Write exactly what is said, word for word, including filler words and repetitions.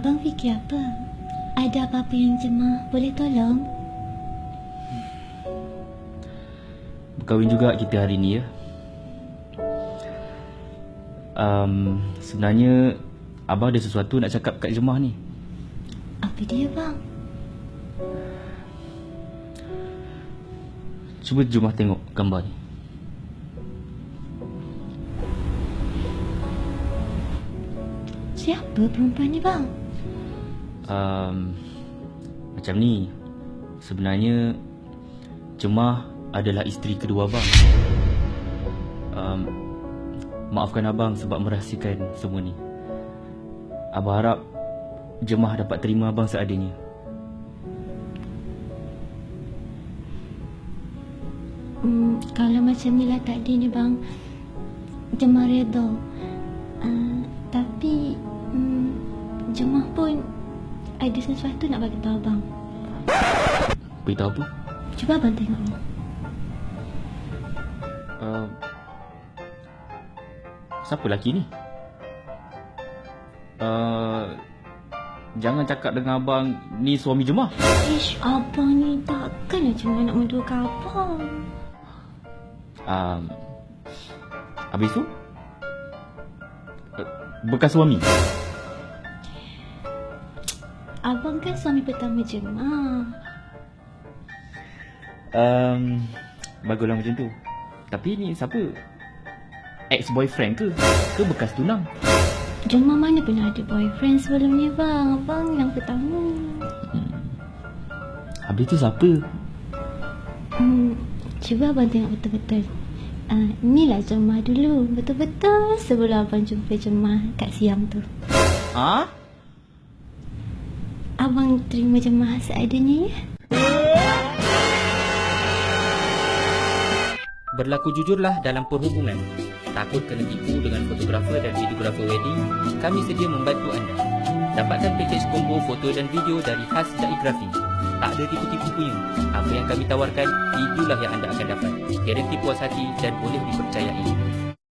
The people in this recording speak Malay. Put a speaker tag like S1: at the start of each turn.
S1: Abang fikir apa? Ada apa-apa yang Jemah boleh tolong?
S2: Berkahwin juga kita hari ni ya. Um, sebenarnya abang ada sesuatu nak cakap kat Jemah ni.
S1: Apa dia bang?
S2: Cuba Jemah tengok gambar ni.
S1: Siapa perempuan ni bang?
S2: Um, macam ni. Sebenarnya Jemah adalah isteri kedua abang. um, Maafkan abang sebab merahsiakan semua ni. Abang harap Jemah dapat terima abang seadanya.
S1: Hmm, kalau macam ni lah tadi ni bang, Jemah reda. uh, Tapi hmm, Jemah pun ada sesuatu nak bagi tahu abang.
S2: Beritahu apa?
S1: Cuba abang tengok ni.
S2: Uh, siapa lelaki ni? Uh, jangan cakap dengan abang ni suami Jemah.
S1: Ish, abang ni takkanlah cuma nak menduakan abang.
S2: um, Habis tu uh, bekas suami.
S1: Abang kan suami pertama Jemah.
S2: um, Baguslah macam tu. Tapi ni siapa? Ex-boyfriend ke? Ke bekas tunang?
S1: Jemah mana pernah ada boyfriend sebelum ni bang. Abang yang pertama.
S2: hmm. Habis tu siapa?
S1: Hmm, cuba abang tengok betul-betul. Uh, inilah Jemah dulu. Betul-betul sebelum abang jumpa Jemah kat Siam tu.
S2: Ha?
S1: Abang terima Jemah seadanya ya?
S3: Berlaku jujurlah dalam perhubungan. Takut kena tipu dengan fotografer dan videografer wedding? Kami sedia membantu anda. Dapatkan pakej combo foto dan video dari Khas Daigrafi. Tak ada tipu-tipu punya. Apa yang kami tawarkan, itulah yang anda akan dapat. Garanti puas hati dan boleh dipercayai.